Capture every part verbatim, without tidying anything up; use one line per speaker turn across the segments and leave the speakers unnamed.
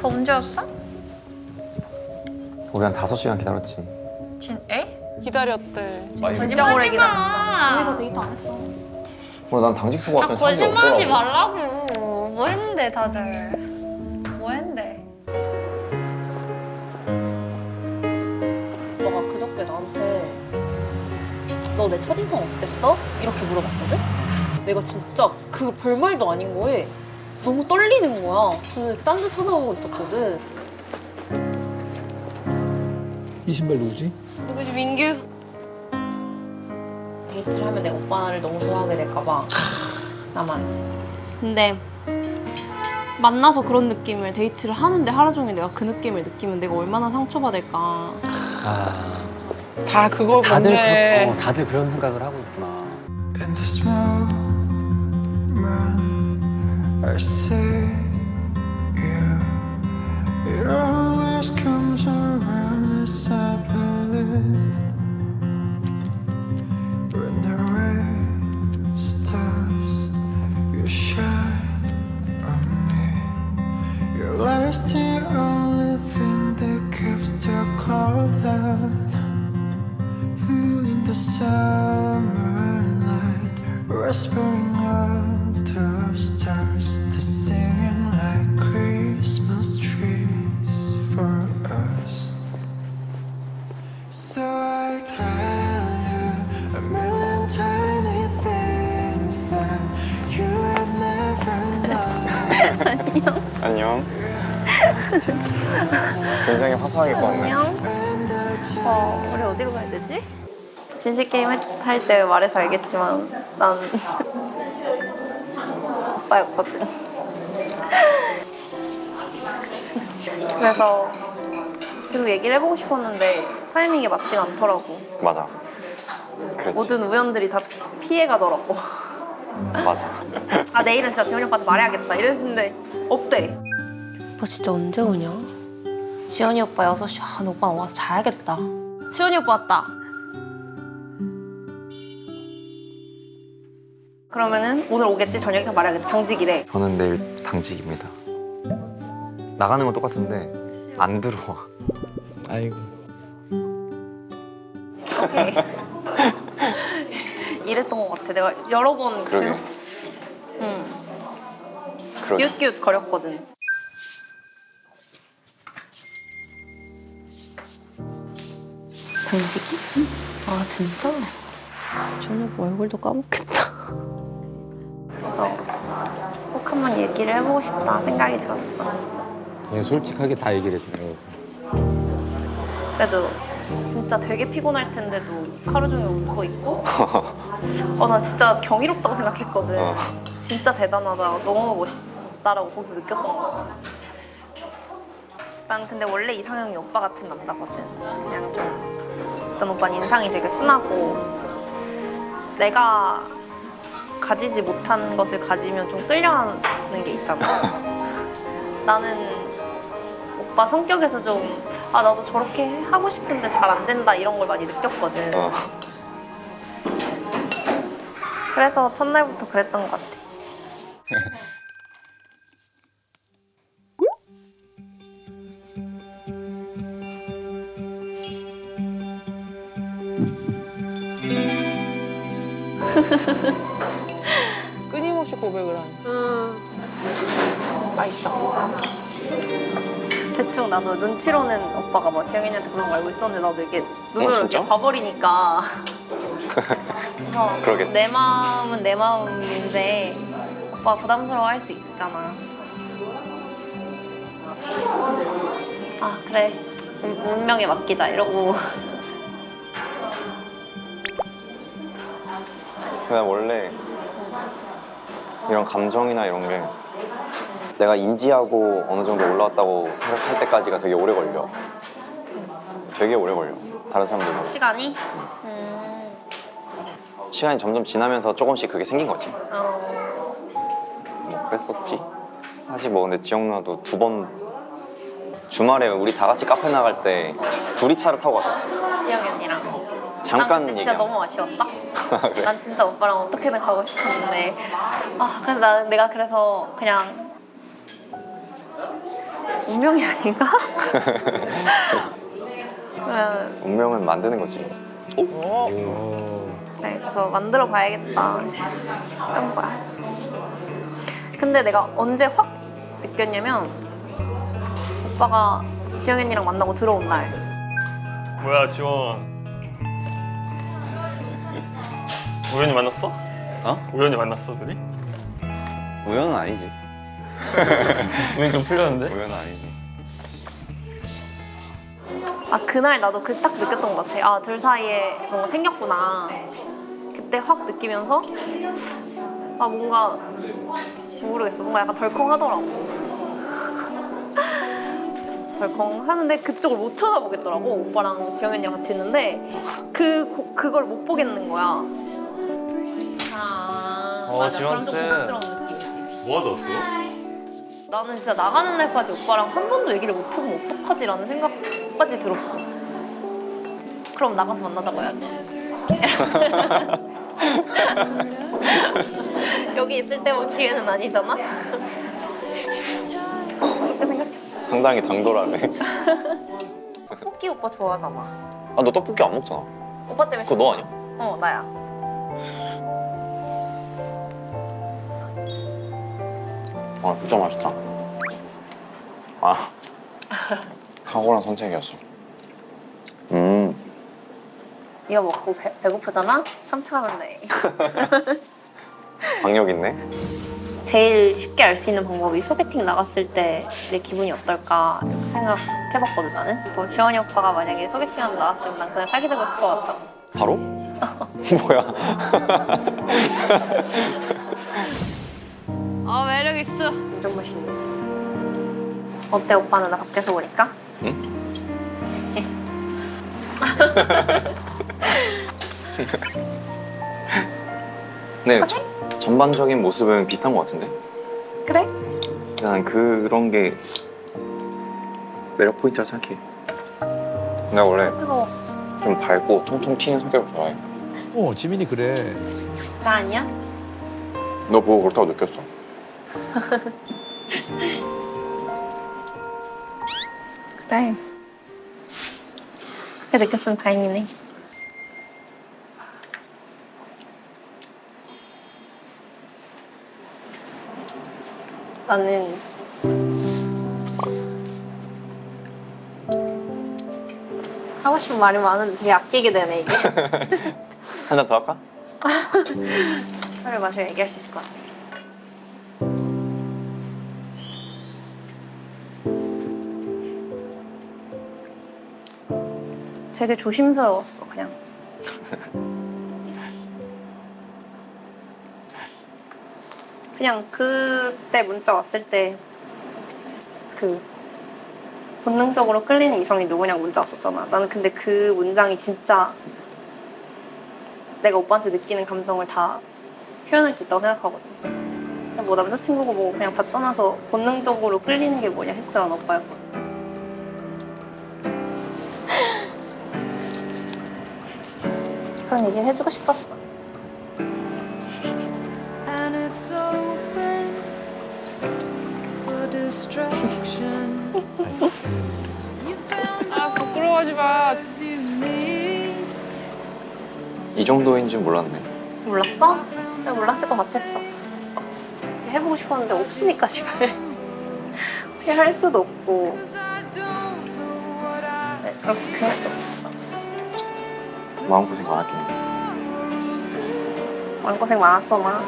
언제 왔어?
우리 한 다섯 시간 기다렸지.
진, 에?
기다렸대.
진짜 오래 기다렸어.
거기서
데이트 안 했어.
어, 난 당직 쓰고
아,
왔더니 사람이
거짓말하지
없더라고.
말라고. 뭐 했는데 다들? 뭐 했는데?
오빠가 그저께 나한테 너 내 첫인상 어땠어? 이렇게 물어봤거든? 내가 진짜 그 별말도 아닌 거에 너무 떨리는 거야. 그래서 딴 데 쳐다보고 있었거든.
이 신발 누구지?
누구지, 민규? 데이트를 하면 내가 오빠를 너무 좋아하게 될까 봐. 나만. 근데 만나서 그런 느낌을 데이트를 하는데 하루 종일 내가 그 느낌을 느끼면 내가 얼마나 상처받을까.
아,
다 그걸
다들
보네.
그런, 어, 다들 그런 생각을 하고 있구나.
In this moment, I see you. It always comes around as I believe. When the rain stops, you shine on me. Your light's the only thing that keeps the cold out. Moon in the summer light, whispering of the stars, to singing like Christmas trees for us. So I tell you a million tiny things that you have never known.
안녕. 굉장히 화사하게 입었네.
어, 우리 어디로 가야 되지? 진실 게임 할 때 말해서 알겠지만 난 오빠였거든. 그래서 계속 얘기를 해보고 싶었는데 타이밍이 맞지가 않더라고.
맞아. 그랬지.
모든 우연들이 다 피, 피해가더라고.
맞아.
아, 내일은 진짜 지원이 오빠한테 말해야겠다 이랬는데 없대. 오빠 진짜 언제 오냐? 지원이 오빠 여섯 시. 아, 근데 오빠 와서 자야겠다. 지원이 오빠 왔다. 그러면은 오늘 오겠지? 저녁에 말해야겠다. 당직이래.
저는 내일 당직입니다. 나가는 건 똑같은데 안 들어와.
아이고.
오케이. 이랬던 것 같아. 내가 여러 번
그러게.
계속 응.
그러게.
기웃기웃 거렸거든. 당직이? 아, 진짜? 저녁 얼굴도 까먹겠다. 그래서 꼭 한번 얘기를 해보고 싶다 생각이 들었어.
그냥 솔직하게 다 얘기를 해주네요.
그래도 진짜 되게 피곤할 텐데도 하루 종일 웃고 있고 어, 난 진짜 경이롭다고 생각했거든.
어.
진짜 대단하다. 너무 멋있다라고 거기서 느꼈던 것 같아. 난 근데 원래 이상형이 오빠 같은 남자거든. 그냥 좀 일단 오빠는 인상이 되게 순하고 내가 가지지 못한 것을 가지면 좀 끌려하는 게 있잖아. 나는 오빠 성격에서 좀 아, 나도 저렇게 하고 싶은데 잘 안 된다 이런 걸 많이 느꼈거든.
어.
그래서 첫날부터 그랬던 것 같아.
끊임없이 고백을 하네.
음, 맛있어. 대충 나도 눈치로는 오빠가 뭐 지영이한테 그런 거 알고 있었는데 나도 이렇게 눈으로
진짜?
이렇게 봐버리니까. 그래서
그러겠다.
내 마음은 내 마음인데 오빠 부담스러워할 수 있잖아. 아, 그래. 운- 운명에 맡기자 이러고.
그냥 원래 이런 감정이나 이런 게 내가 인지하고 어느 정도 올라왔다고 생각할 때까지가 되게 오래 걸려. 되게 오래 걸려. 다른 사람들보다.
시간이? 음,
시간이 점점 지나면서 조금씩 그게 생긴 거지.
어,
뭐 그랬었지. 사실 뭐 근데 지영 누나도 두 번 주말에 우리 다 같이 카페 나갈 때 둘이 차를 타고 갔었어.
지영이 언니랑.
잠깐
난 근데 진짜
얘기한
너무 아쉬웠다.
그래?
난 진짜 오빠랑 어떻게든 가고 싶었는데 아, 그래서 나, 내가 그래서 그냥 운명이 아닌가? 그냥
운명은 만드는 거지.
네, 그래서 만들어 봐야겠다 했던 거야. 근데 내가 언제 확 느꼈냐면 오빠가 지영이 언니랑 만나고 들어온 날.
뭐야 지원. 우연히 만났어?
어?
우연히 만났어 둘이?
우연은 아니지.
우연히 좀 풀렸는데?
우연은 아니지.
아 그날 나도 그 딱 느꼈던 것 같아. 아 둘 사이에 뭔가 생겼구나. 그때 확 느끼면서 아 뭔가 모르겠어. 뭔가 약간 덜컹하더라고. 덜컹하는데 그쪽을 못 쳐다보겠더라고. 오빠랑 지영이 언니랑 같이 있는데 그 고- 그걸 못 보겠는 거야.
아,
어,
맞아. 그럼
지원스.
좀 고급스러운 느낌이지.
뭐 하셨어?
나는 진짜 나가는 날까지 오빠랑 한 번도 얘기를 못 해보면 어떡하지라는 생각까지 들었어. 그럼 나가서 만나자고 해야지. 여기 있을 때만 기회는 아니잖아? 그렇게 생각했어.
상당히 당돌하네.
호키 오빠 좋아하잖아.
아, 너 떡볶이 안 먹잖아.
오빠 때문에.
그거 너 아니야?
어, 나야.
아, 진짜 맛있다. 아, 탁월한 선택이었어. 음,
이거 먹고 배, 배고프잖아? 삼 차 하면 돼.
강력 있네.
제일 쉽게 알 수 있는 방법이 소개팅 나갔을 때 내 기분이 어떨까 이렇게 생각해봤거든 나는. 뭐 지원이 오빠가 만약에 소개팅하러 나왔으면 난 그냥 사귀자고 했을 것 같다고.
바로? 뭐야?
아, 매력 있어.
완전 멋있네. 어때 오빠는 나 밖에서 보니까?
응? 네, 저- 전반적인 모습은 비슷한 것 같은데?
그래?
난 그런 게 매력 포인트라 생각해. 내가 원래
뜨거워.
좀 밝고 통통 튀는 성격을 좋아해.
어, 지민이 그래.
나 아니야?
너 보고 그렇다고 느꼈어.
그래. 그렇게 느꼈으면 다행이네. 나는 하고 싶은 말이 많은데 되게 아끼게 되네 이게.
한 잔 더 할까?
술을 마셔야 얘기할 수 있을 것 같아. 되게 조심스러웠어 그냥. 그냥 그때 문자 왔을 때 그 본능적으로 끌리는 이성이 누구냐고 문자 왔었잖아. 나는 근데 그 문장이 진짜 내가 오빠한테 느끼는 감정을 다 표현할 수 있다고 생각하거든. 뭐 남자친구고 뭐 그냥 다 떠나서 본능적으로 끌리는 게 뭐냐 했을 때 난 오빠였거든. 그런 얘기를 해주고 싶었어.
And it's open for destruction. You found
아 부끄러워하지 마.
what you need.
이 정도인 줄 몰랐네.
몰랐어? 그냥 몰랐을 것 같았어. 이렇게 해보고 싶었는데 없으니까 집에. 어떻게 할 수도 없고.
'Cause I don't know what I
네, 그렇게 했었어.
마음고생 많았겠네.
마음고생 많았어 나.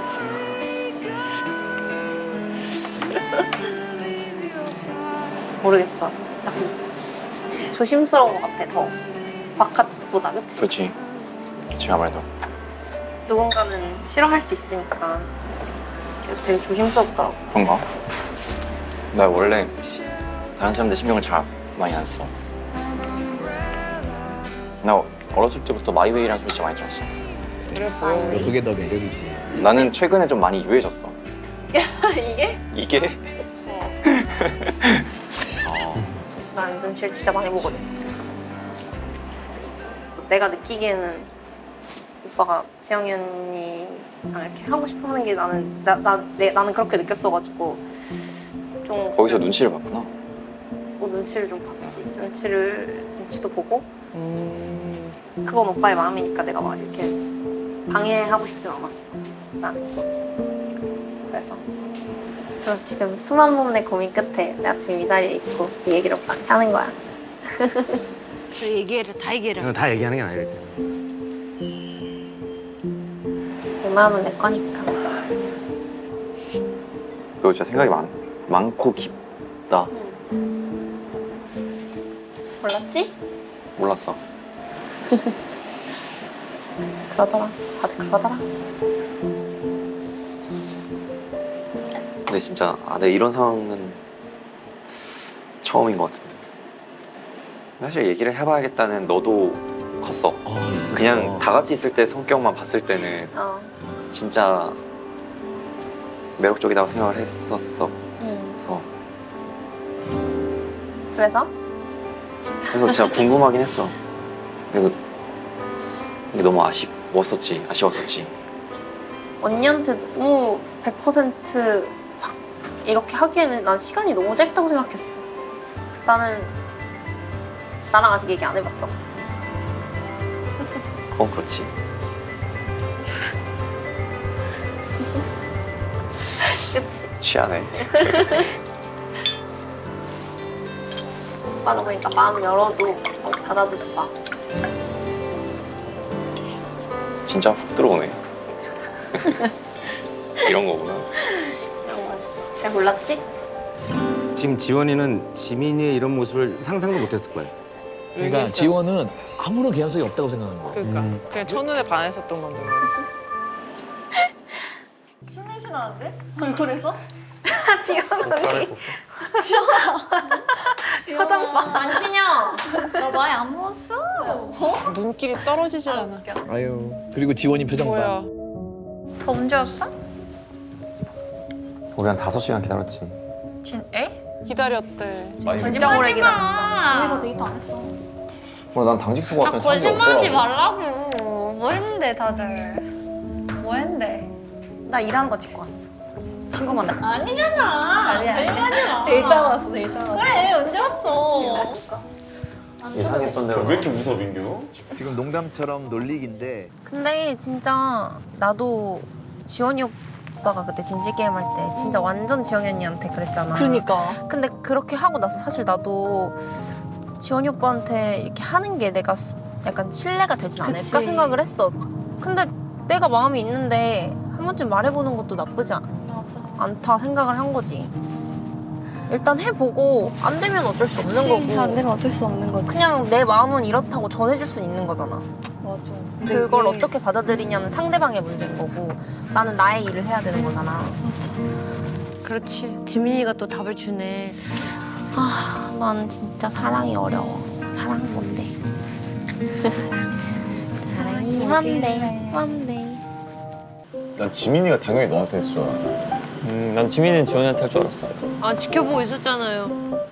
모르겠어. 약간 조심스러운 것 같아 더. 바깥보다 그치?
그렇지. 그렇지 아무래도.
누군가는 싫어할 수 있으니까 그래서 되게 조심스럽더라고.
그런가? 나 원래 다른 사람들 신경을 잘 많이 안 써. 나 어렸을 때부터 마이웨이라는 소리 진짜 많이 들었어.
그래 보여.
그게 너 매력이지.
나는 최근에 좀 많이 유해졌어.
이게?
이게?
난 눈치를 진짜 많이 보거든. 내가 느끼기에는 오빠가 지영이 언니랑 이렇게 하고 싶어 하는 게 나는 나, 나, 내, 나는 그렇게 느꼈어가지고 좀
거기서 눈치를 봤구나.
또 눈치를 좀 봤지. 눈치를 눈치도 보고
음.
그건 오빠의 마음이니까 내가 막 이렇게 방해하고 싶진 않았어. 나는. 그래서 그래서 지금 수만 번의 고민 끝에 내가 지금 이 자리에 있고 이 얘기를 오빠한테 하는 거야.
그 얘기해라, 다 얘기해라.
이건 다 얘기하는 게 아니라 때.
내 마음은 내 거니까.
너 진짜 생각이 많, 많고 깊다.
몰랐지?
몰랐어.
그러더라. 다들 그러더라.
근데 진짜 아, 내 이런 상황은 처음인 것 같은데. 사실 얘기를 해봐야겠다는 너도 컸어.
어, 있었어.
그냥 다 같이 있을 때 성격만 봤을 때는
어.
진짜 매력적이라고 생각을 했었어.
응.
그래서
그래서?
그래서 진짜 궁금하긴 했어. 그래서 이게 너무 아쉬웠었지. 아쉬웠었지.
언니한테 너무 백 퍼센트 확 이렇게 하기에는 난 시간이 너무 짧다고 생각했어. 나는 나랑 아직 얘기 안 해봤잖아.
그건 그렇지.
그치?
취하네.
오빠는 그러니까 마음 열어도 어, 닫아두지 마.
진짜 훅 들어오네. 이런 거구나.
이런 거였어. 잘 몰랐지?
지금 지원이는 지민이의 이런 모습을 상상도 못했을 거야.
그러니까
지원은 아무런 개연성이 없다고 생각하는 거야.
그러니까 그냥 첫눈에 반했었던 건데.
술 냄새 나는데? 얼굴에서?
지원 언니.
잘해보
표정 봐. 안신영.
나 많이 안 먹었어.
눈길이 떨어지질 않아.
아유. 그리고 지원이 표정 봐.
뭐야?
더 언제 왔어?
우리 한 다섯 시간 기다렸지.
진, 에?
기다렸대.
진짜 오래 기다렸어.
우리서 데이트 안 했어.
어, 난 당직 쓰고
아,
왔더니 사람이
거짓말하지
없더라고.
말라고. 뭐 했는데 다들? 뭐 했는데?
나 일하는 거 찍고 왔어. 친구 만나.
아니잖아. 아니야. 데이트하고 왔어. 데이트하고 왔어. 그래 언제 왔어?
예상했던 대로.
왜 이렇게 무서워 민규?
지금 농담처럼 놀리기인데
근데 진짜 나도 지원이 오빠가 그때 진실 게임 할 때 진짜 완전 지원이 언니한테 그랬잖아.
그러니까.
근데 그렇게 하고 나서 사실 나도 지원이 오빠한테 이렇게 하는 게 내가 스- 약간 신뢰가 되진 않을까
그치.
생각을 했어. 근데 내가 마음이 있는데 한 번쯤 말해보는 것도 나쁘지 않,
맞아.
않다 생각을 한 거지. 일단 해보고 안 되면 어쩔 수 없는 거고.
안 되면 어쩔 수 없는 거지.
그냥 내 마음은 이렇다고 전해줄 수 있는 거잖아.
맞아.
그걸
이게-
어떻게 받아들이냐는 상대방의 문제인 거고 나는 나의 일을 해야 되는 거잖아.
그렇지. 지민이가 또 답을 주네.
아, 난 진짜 사랑이 어려워. 사랑은 뭔데? 사랑이 뭔데? 뭔데?
난 지민이가 당연히 너한테 했을 줄 알았어.
음, 난 지민이는 지원이한테 할 줄 알았어.
아, 지켜보고 있었잖아요.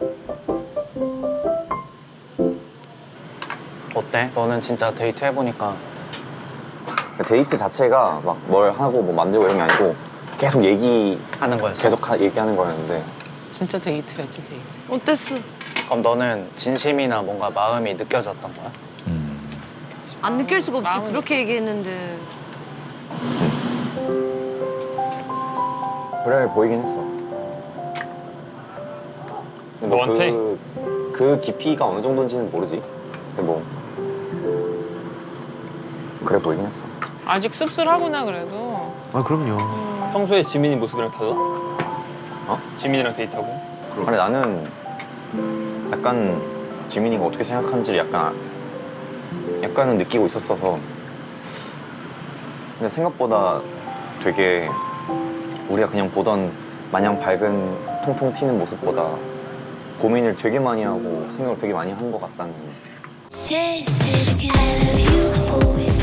어때? 너는 진짜 데이트 해보니까
데이트 자체가 막 뭘 하고 뭐 만들고 이런 게 아니고 계속 얘기
하는 거였어?
계속 하, 얘기하는 거였는데
진짜 데이트였지 데이트.
어땠어?
그럼 너는 진심이나 뭔가 마음이 느껴졌던 거야?
안 느낄 수가 없지.
마음은-
그렇게 얘기했는데.
그래 보이긴 했어. 근데 뭐
너한테?
그, 그 깊이가 어느 정도인지는 모르지. 근데 뭐 그래 보이긴 했어.
아직 씁쓸하구나 그래도.
아 그럼요.
평소에 지민이 모습이랑 달라?
어?
지민이랑 데이트하고?
아니 나는 약간 지민이가 어떻게 생각하는지를 약간 약간은 느끼고 있었어서 근데 생각보다 되게 우리가 그냥 보던 마냥 밝은 통통 튀는 모습보다 고민을 되게 많이 하고 생각을 되게 많이 한 것 같다는
Say, say it again. I love you always.